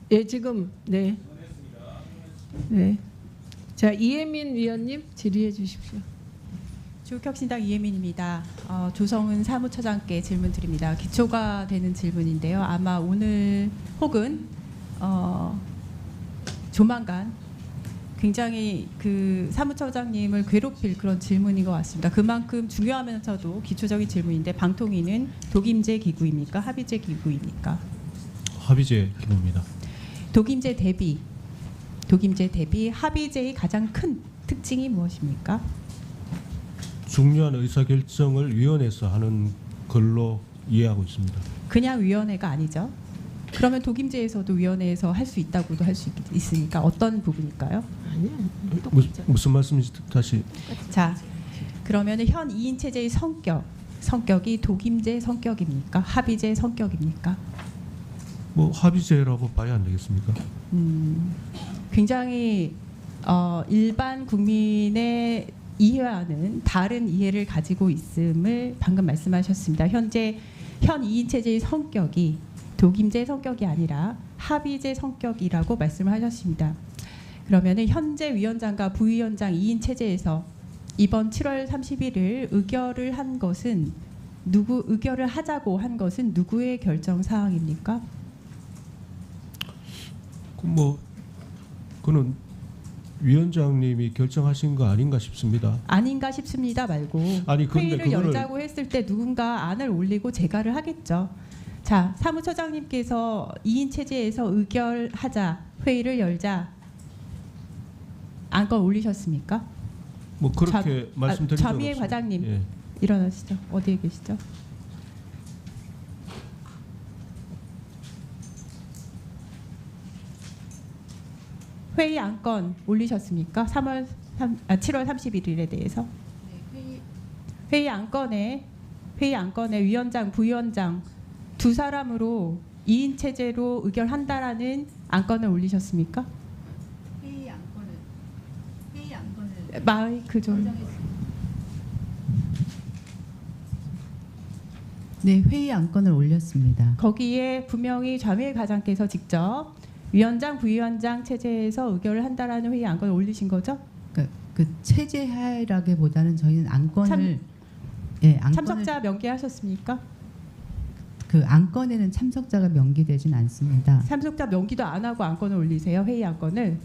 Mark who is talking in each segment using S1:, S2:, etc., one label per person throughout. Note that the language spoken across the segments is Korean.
S1: 예, 지금 네. 네. 자, 이혜민 위원님 질의해 주십시오.
S2: 조국혁신당 이혜민입니다. 조성은 사무처장께 질문 드립니다. 기초가 되는 질문인데요. 아마 오늘 혹은 조만간 굉장히 그 사무처장님을 괴롭힐 그런 질문인 것 같습니다. 그만큼 중요하면서도 기초적인 질문인데 방통위는 독임제 기구입니까? 합의제 기구입니까?
S3: 합의제 기구입니다.
S2: 독임제 대비 합의제의 가장 큰 특징이 무엇입니까?
S3: 중요한 의사결정을 위원회에서 하는 걸로 이해하고 있습니다.
S2: 그냥 위원회가 아니죠. 그러면 독임제에서도 위원회에서 할 수 있다고도 할 수 있으니까 어떤 부분일까요?
S1: 아니요.
S3: 무슨 말씀인지 다시.
S2: 자, 그러면 현 2인 체제의 성격이 독임제 성격입니까? 합의제 성격입니까?
S3: 뭐 합의제라고 봐야 안 되겠습니까?
S2: 굉장히 일반 국민의 이해와는 다른 이해를 가지고 있음을 방금 말씀하셨습니다. 현 2인 체제의 성격이 독임제 성격이 아니라 합의제 성격이라고 말씀을 하셨습니다. 그러면은 현재 위원장과 부위원장 2인 체제에서 이번 7월 31일 의결을 하자고 한 것은 누구의 결정 사항입니까?
S3: 그는 위원장님이 결정하신 거 아닌가 싶습니다.
S2: 아닌가 싶습니다 말고
S3: 아니, 그런데
S2: 회의를 열자고 했을 때 누군가 안을 올리고 제가를 하겠죠. 자, 사무처장님께서 2인 체제에서 의결하자, 회의를 열자 안건 올리셨습니까?
S3: 뭐 그렇게 말씀드린 적
S2: 좌미애
S3: 없습니다.
S2: 과장님
S3: 예.
S2: 일어나시죠. 어디에 계시죠? 회의 안건 올리셨습니까? 7월 31일에 대해서 회의 안건에 위원장, 부위원장 두 사람으로 2인 체제로 의결한다라는 안건을 올리셨습니까?
S4: 회의 안건을
S2: 마이크 좀.
S4: 네, 회의 안건을 올렸습니다.
S2: 거기에 분명히 좌미애 과장께서 직접 위원장, 부위원장 체제에서 의결을 한다라는 회의 안건을 올리신 거죠?
S4: 그 체제하라기보다는 저희는 안건을
S2: 참석자 명기하셨습니까?
S4: 그 안건에는 참석자가 명기되진 않습니다.
S2: 참석자 명기도 안 하고 안건을 올리세요. 회의 안건을.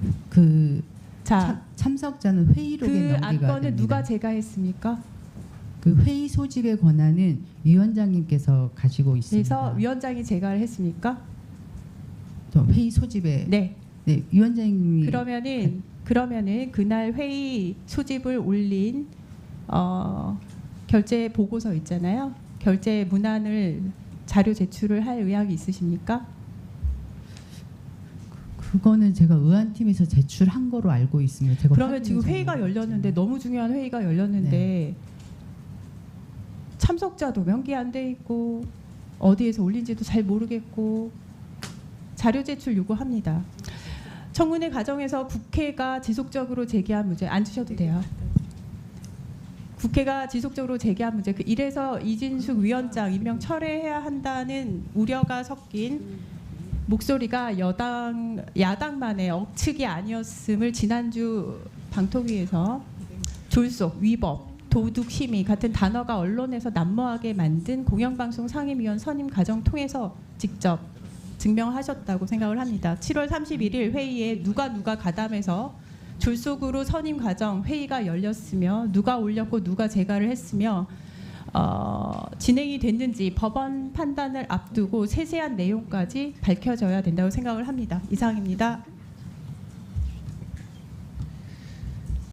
S2: 자,
S4: 참석자는 회의록에
S2: 그
S4: 명기가
S2: 안건을
S4: 됩니다.
S2: 누가 제가했습니까?
S4: 그 회의 소집의 권한은 위원장님께서 가지고 있습니다.
S2: 그래서 위원장이 제가를 했습니까?
S4: 저 회의 소집에
S2: 네.
S4: 위원장님이
S2: 그러면은 그날 회의 소집을 올린 결제 보고서 있잖아요. 결제 문안을 자료 제출을 할 의향이 있으십니까?
S4: 그거는 제가 의안팀에서 제출한 거로 알고 있습니다. 제가
S2: 그러면 지금
S4: 확인해서
S2: 회의가 열렸는데 너무 중요한 회의가 열렸는데
S4: 네.
S2: 참석자도 명기 안 돼 있고 어디에서 올린지도 잘 모르겠고 자료 제출 요구합니다. 청문회 과정에서 국회가 지속적으로 제기한 문제 앉으셔도 돼요. 국회가 지속적으로 제기한 문제 이래서 이진숙 위원장 임명 철회해야 한다는 우려가 섞인 목소리가 야당만의 억측이 아니었음을 지난주 방통위에서 졸속, 위법, 도둑, 심의 같은 단어가 언론에서 난무하게 만든 공영방송 상임위원 선임 과정 통해서 직접 증명하셨다고 생각을 합니다. 7월 31일 회의에 누가 가담해서 졸속으로 선임 과정 회의가 열렸으며 누가 올렸고 누가 제가를 했으며 진행이 됐는지 법원 판단을 앞두고 세세한 내용까지 밝혀져야 된다고 생각을 합니다. 이상입니다.